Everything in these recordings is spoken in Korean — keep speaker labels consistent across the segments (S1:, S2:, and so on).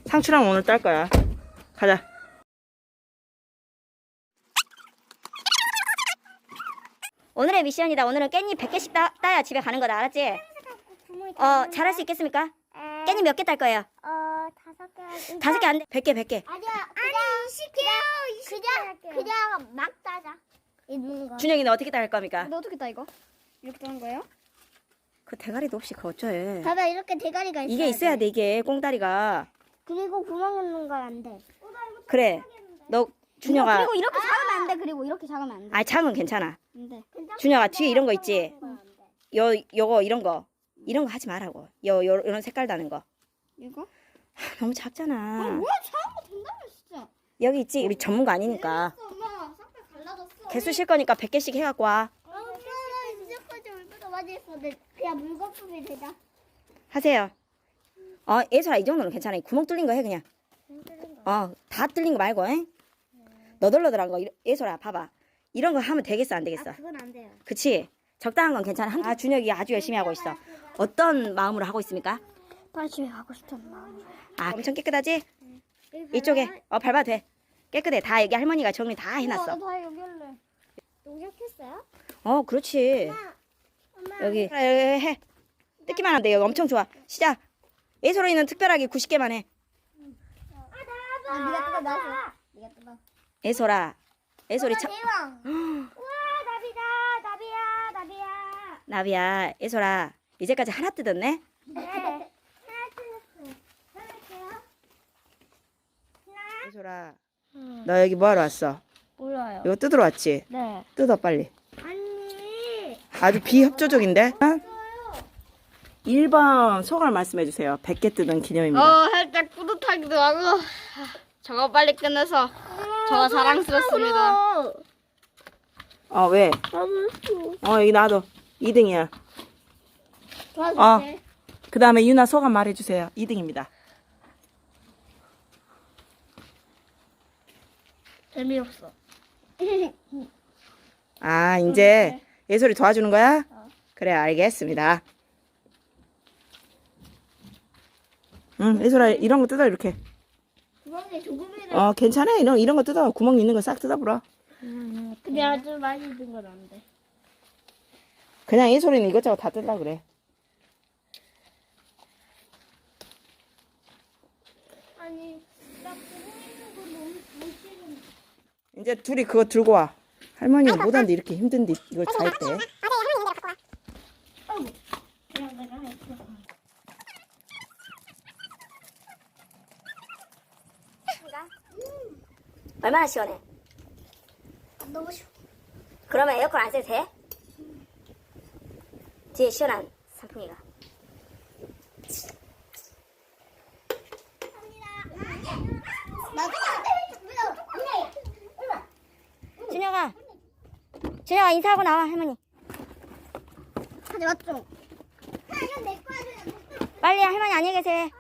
S1: 상추랑 오늘 딸 거야. 가자.
S2: 오늘의 미션이다. 오늘은 깻잎 100개씩 따야 집에 가는 거다. 알았지? 잘할 수 있겠습니까? 깻잎 몇 개 딸 거예요?
S3: 5개.
S2: 5개 안 돼. 100개, 100개.
S3: 아니야. 그냥 막 따자. 있는 거.
S2: 준영이는 어떻게 딸 겁니까?
S3: 너 어떻게 따 이거? 이렇게 따는 거예요?
S2: 그 대가리도 없이 그거 어쩌해.
S3: 봐봐 이렇게 대가리가 있어.
S2: 이게 있어야 돼, 이게. 꽁다리가.
S3: 그리고 구멍 넣는 건 안 돼.
S2: 그래. 너, 준영아.
S3: 그리고 이렇게 작으면 안 돼. 그리고 이렇게 작으면 안 돼.
S2: 아, 작은 괜찮아.
S3: 안 돼.
S2: 준영아, 뒤에 이런 거 있지? 요거, 이런 거. 이런 거 하지 말라고. 요런 색깔 나는 거.
S3: 이거?
S2: 너무 작잖아.
S3: 뭐야 작은 거 된다며 진짜.
S2: 여기 있지? 우리 전문가 아니니까.
S3: 엄마 싹다 갈라졌어.
S2: 개수 실 거니까 100개씩 해갖고 와.
S3: 엄마 이제까지 얼마나 많이 했어. 그냥 물거품이 되자.
S2: 하세요. 예솔아, 이 정도는 괜찮아. 구멍 뚫린 거 해, 그냥. 다 뚫린 거 말고, 에? 너덜너덜한 거. 예솔아, 봐봐. 이런 거 하면 되겠어, 안 되겠어?
S3: 그건 안 돼요.
S2: 그치? 적당한 건 괜찮아. 준혁이 아주 열심히 하고 있어. 어떤 마음으로 하고 있습니까?
S3: 빨리 집에 가고 싶단 마음.
S2: 엄청 깨끗하지? 이쪽에. 밟아도 돼. 깨끗해. 다 여기 할머니가 정리 다 해놨어.
S3: 다 여기 할래. 농약했어요?
S2: 그렇지.
S3: 엄마.
S2: 여기 해. 뜯기만 하면 돼. 여기 엄청 좋아. 시작. 예솔이는 특별하게 90개만 해.
S3: 네가 뜯어 놔줘. 네가 뜯어.
S2: 예솔아. 예솔이
S3: 대왕. 우와 나비다. 나비야.
S2: 나비야. 예솔아. 이제까지 하나 뜯었네?
S3: 네. 하나 뜯었어. 하나요?
S2: 예솔아. 너 여기 뭐하러 왔어?
S3: 몰라요.
S2: 이거 뜯으러 왔지?
S3: 네.
S2: 뜯어 빨리.
S3: 아니.
S2: 아주 비협조적인데? 1번 소감을 말씀해 주세요. 100개 뜯은 기념입니다.
S4: 살짝 뿌듯하기도 하고 저거 빨리 끝내서 저가 자랑스럽습니다.
S2: 왜?
S3: 나도
S2: 여기 놔둬. 2등이야.
S3: 도와줄게.
S1: 그 다음에 유나 소감 말해주세요. 2등입니다.
S3: 재미없어.
S2: 이제 예솔이 도와주는 거야? 그래, 알겠습니다.
S1: 응, 예솔아, 이런 거 뜯어, 이렇게.
S3: 구멍이 조금이라.
S1: 괜찮아. 이런 거 뜯어. 구멍 있는 거 싹 뜯어버려.
S3: 근데 아주 많이 든 건 안 돼.
S1: 그냥 예솔이는 이것저것 다 뜯으려 그래.
S3: 아니 나 구멍 있는 거 너무 못 찍은.
S1: 이제 둘이 그거 들고 와. 할머니가 못하는데 이렇게 힘든데 이걸 다 했대.
S3: 그냥 내가 했어.
S2: 얼마나 시원해?
S3: 너무 싫어.
S2: 그러면 에어컨 안 써도 돼? 뒤에 시원한 선풍기가. 준혁아 인사하고 나와. 할머니
S3: 하지 맞죠? 이건 내 거야.
S2: 빨리. 할머니 안녕히 계세요.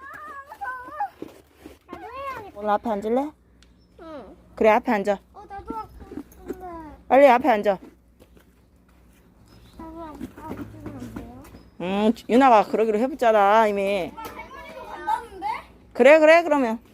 S3: 나도 해야겠다.
S1: 오늘 앞에 앉을래?
S3: 응.
S1: 그래, 앞에 앉아.
S3: 나도 하고 싶은데.
S1: 빨리 앞에 앉아.
S3: 나도 하고 싶으면 안 돼요?
S1: 유나가 그러기로 해봤잖아, 이미.
S3: 할머니도 간다는데?
S1: 그래, 그러면.